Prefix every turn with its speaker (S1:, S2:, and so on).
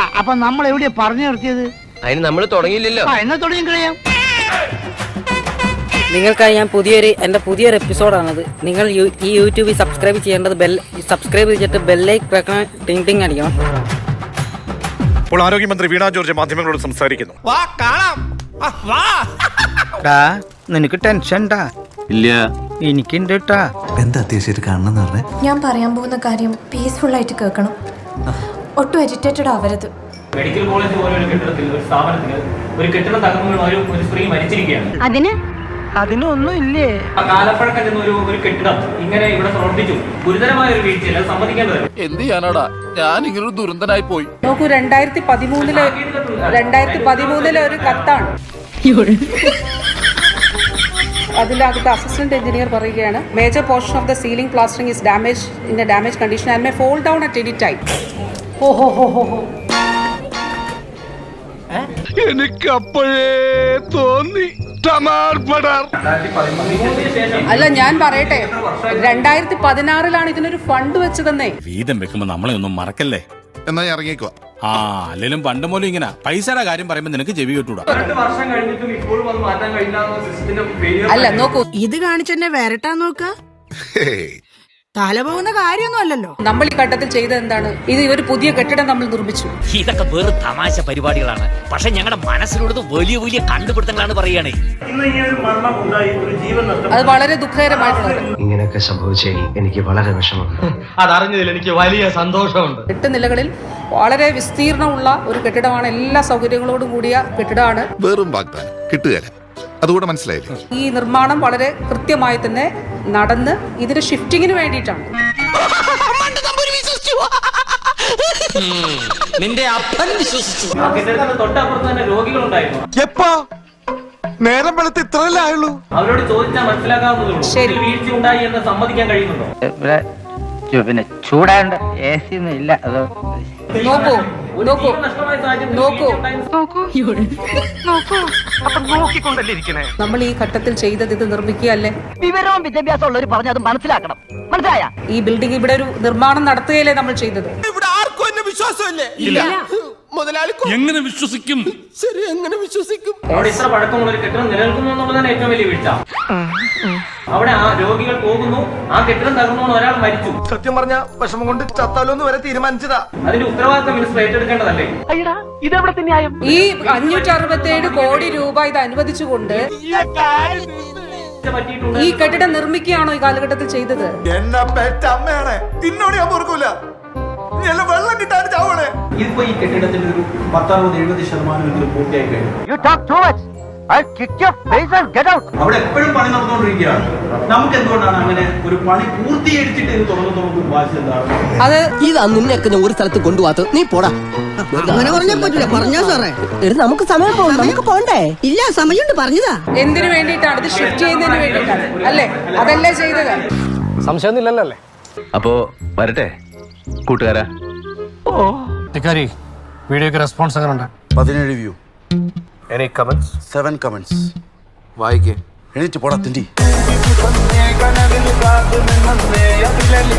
S1: അപ്പൊ നമ്മൾ എവിടെയാ പറഞ്ഞു നിർത്തിയത്?
S2: അതിന് നമ്മൾ തുടങ്ങിയില്ലല്ലോ.
S1: എന്നാ തുടങ്ങി കളയാം.
S3: നിങ്ങൾക്കായി ഞാൻ എൻ്റെ പുതിയൊരു എപ്പിസോഡാണത്. നിങ്ങൾ ഈ യൂട്യൂബിൽ സബ്സ്ക്രൈബ് ചെയ്യേണ്ടത് സബ്സ്ക്രൈബ് ചെയ്തിട്ട് ബെല്ലൈക്ക് വെക്കണം, ടിങ് ടിങ് അടിക്കണം.
S4: ഇപ്പോൾ ആരോഗ്യമന്ത്രി വീണ ജോർജ് മാധ്യമങ്ങളോട് സംസാരിക്കുന്നു.
S1: നിനക്ക് ടെൻഷൻ
S5: ഇല്ല,
S1: എനിക്കുണ്ട്.
S6: എന്താ അത്യാവശ്യം കാണണമെന്ന് പറഞ്ഞേ?
S7: ഞാൻ പറയാൻ പോകുന്ന കാര്യം പീസ്ഫുൾ ആയിട്ട് കേൾക്കണം. ഒട്ടും എജിറ്റേറ്റഡ് ആവരുത്.
S8: മെഡിക്കൽ കോളേജ് പോലെ ഒരു കെട്ടിടത്തിൽ, ഒരു സ്ഥാപനത്തിൽ ഒരു കെട്ടിടം തകർന്നു ഒരു സ്ത്രീ മരിച്ചിരിക്കുകയാണ്.
S1: അതിനൊന്നും ഇല്ലേ?
S8: ആ കാലപ്പഴക്കം ചെന്ന ഒരു കെട്ടിടം ഇങ്ങനെ ഇവിടെ പ്രവർത്തിച്ചു. ഗുരുതരമായ ഒരു വീഴ്ചയില്ല, സമ്മതിക്കേണ്ടത്.
S5: എന്ത് ചെയ്യാനാടാ, ഞാൻ ഇങ്ങനൊരു ദുരന്തനായി പോയി.
S3: നോക്കൂ, 2013 ഒരു കത്താണ്. അതിലകത്ത് അസിസ്റ്റന്റ് എഞ്ചിനീയർ പറയുകയാണ്, major portion of the ceiling plastering is damage in a damage condition and may fall down at any time.
S5: എനിക്ക് അപ്പോഴേ തോന്നി.
S3: അല്ല, ഞാൻ പറയട്ടെ, 2016 ഇതിനൊരു ഫണ്ട് വെച്ചതെന്നേ.
S9: വീതം വെക്കുമ്പോ നമ്മളെ ഒന്നും മറക്കല്ലേ.
S5: എന്നാ ഇറങ്ങിക്കോ.
S9: അല്ലെങ്കിലും പണ്ട് പോലും ഇങ്ങനെ പൈസയുടെ കാര്യം പറയുമ്പോ നിനക്ക് ചെവി കേട്ടൂടാ.
S8: 2 വർഷം കഴിഞ്ഞിട്ടും ഇപ്പോഴും അത് മാറ്റാൻ കഴിയില്ല.
S3: അല്ല, നോക്കൂ,
S10: ഇത് കാണിച്ചെന്നെ വരട്ടാൻ നോക്ക. തല പോകുന്ന കാര്യമൊന്നും അല്ലല്ലോ.
S3: നമ്മൾ ഈ ഘട്ടത്തിൽ ചെയ്തത് എന്താണ്? ഒരു പുതിയ കെട്ടിടം നമ്മൾ നിർമ്മിച്ചു.
S2: ഇതൊക്കെ വേറെ തമാശ പരിപാടികളാണ്. പക്ഷെ ഞങ്ങളുടെ മനസ്സിലുള്ളത് വലിയ വലിയ കണ്ടുപിടുത്തങ്ങളാണ് പറയുകയാണെ.
S3: അത് വളരെ ദുഃഖകരമായിട്ടുള്ളത്.
S6: ഇങ്ങനെയൊക്കെ സംഭവിച്ചേ എനിക്ക് വളരെ വിഷമമുണ്ട്.
S2: അതറിഞ്ഞതിൽ എനിക്ക് വലിയ സന്തോഷമുണ്ട്.
S3: 8 നിലകളിൽ വളരെ വിസ്തീർണമുള്ള ഒരു കെട്ടിടമാണ്. എല്ലാ സൗകര്യങ്ങളോടും കൂടിയ കെട്ടിടമാണ്.
S5: വെറും വാഗ്ദാനം കിട്ടുകയില്ല, അതുകൂടെ മനസ്സിലായില്ലേ?
S3: ഈ നിർമ്മാണം വളരെ കൃത്യമായി തന്നെ നടന്ന് ഇതിന്റെ ഷിഫ്റ്റിങ്ങിന് വേണ്ടിയിട്ടാണ്.
S2: നിന്റെ അപ്പൻ വിശ്വസിച്ചു.
S8: ആ കെട്ടിടത്തിന് തൊട്ടപ്പുറത്ത് തന്നെ രോഗികളുണ്ടായിരുന്നു.
S5: എപ്പോ നേരം വെളുത്ത് ഇത്രയല്ലേ ആയുള്ളൂ?
S8: അവരോട് ചോദിച്ചാൽ മനസ്സിലാക്കാവുന്നതേ ഉള്ളൂ.
S3: ശരി.
S8: ഇതിൽ വീഴ്ച ഉണ്ടായി എന്ന് സമ്മതിക്കാൻ കഴിയുന്നുണ്ടോ?
S1: പിന്നെ ചൂടാണ്ട് AC ഒന്നും ഇല്ല. അത്
S3: നോക്കൂ,
S8: ഒരു
S3: നോക്കൂ,
S8: ജീവൻ നഷ്ടമായ സാഹചര്യത്തിൽ
S3: നോക്കൂ.
S8: നോക്കിക്കൊണ്ടല്ലേ.
S3: നമ്മൾ ഈ ഘട്ടത്തിൽ ചെയ്തത് ഇത് നിർമ്മിക്കുകയല്ലേ.
S1: വിവരവും വിദ്യാഭ്യാസം ഉള്ളവർ പറഞ്ഞ് അത് മനസ്സിലാക്കണം. മനസ്സിലായ?
S3: ഈ ബിൽഡിംഗ് ഇവിടെ ഒരു നിർമ്മാണം നടത്തുകയല്ലേ നമ്മൾ ചെയ്തത്.
S5: ഇവിടെ ആർക്കും എന്നെ വിശ്വാസമില്ലേ? മുതലാളി
S9: എങ്ങനെ വിശ്വസിക്കും?
S5: ശരി, എങ്ങനെ വിശ്വസിക്കും?
S8: അവിടെ ഇത്ര പഴക്കമുള്ള ഒരു കെട്ടിടം നിലനിൽക്കുന്നു എന്നുള്ളതാണ് ഏറ്റവും വലിയ വീഴ്ച. അവിടെ ആ രോഗികൾ പോകുന്നു, ആ കെട്ടിടം തകർന്നു, ഒരാൾ മരിച്ചു.
S5: സത്യം പറഞ്ഞ വിഷമം കൊണ്ട് ചത്താലോന്ന് വരെ തീരുമാനിച്ചതാ.
S8: അതിന്റെ ഉത്തരവാദിത്തം മിനിസ്റ്റർ ഏറ്റെടുക്കേണ്ടതല്ലേ?
S3: ഈ 567 കോടി രൂപ ഇത് അനുവദിച്ചുകൊണ്ട്
S8: പറ്റിയിട്ടുണ്ട്.
S3: ഈ കെട്ടിടം നിർമ്മിക്കുകയാണോ ഈ കാലഘട്ടത്തിൽ ചെയ്തത്?
S5: എന്നെ പെറ്റ അമ്മയാണ്, തിന്നോട് ഞാൻ പൊറുക്കൂല. വെള്ളം കിട്ടാൻ ചാവണേ.
S8: ഇപ്പൊ ഈ കെട്ടിടത്തിന്റെ ഒരു 60-70% പൂർത്തിയായി കഴിഞ്ഞു. അവിടെ എപ്പോഴും പണി നടന്നുകൊണ്ടിരിക്കുകയാണ്. നമുക്ക് എന്തുകൊണ്ടാണ് അങ്ങനെ ഒരു പണി പൂർത്തീകരിച്ചിട്ട് ഇത് തുടങ്ങുന്ന വാശി എന്താണ്?
S3: അത്
S2: ഇതാ നിന്നെയൊക്കെ ഒരു സ്ഥലത്ത് കൊണ്ടുപോകാത്ത നീ പോടാ.
S10: അങ്ങനെ പറഞ്ഞാൽ പറ്റില്ല. പറഞ്ഞാ സാറേ,
S2: നമുക്ക് സമയം പോകും, നമുക്ക് പോണ്ടേ?
S10: ഇല്ല, സമയമുണ്ട്. പറഞ്ഞതാ.
S3: എന്തിനു വേണ്ടിയിട്ടാണ്? ഇത് ഷിഫ്റ്റ് ചെയ്യുന്നതിന് വേണ്ടിയിട്ടാണ് അല്ലേ? അതല്ലേ ചെയ്തത്?
S2: സംശയമൊന്നുമില്ലല്ലോ അല്ലേ?
S6: അപ്പോ വരട്ടെ കൂട്ടുകാരാ.
S9: വീഡിയോക്ക് റെസ്പോൺസ് അങ്ങനെ ഉണ്ട്.
S6: 17 വ്യൂ.
S5: Any comments?
S6: 7 comments.
S5: വായിക്കേ.
S6: എണീറ്റ് പോടാ തിണ്ടി.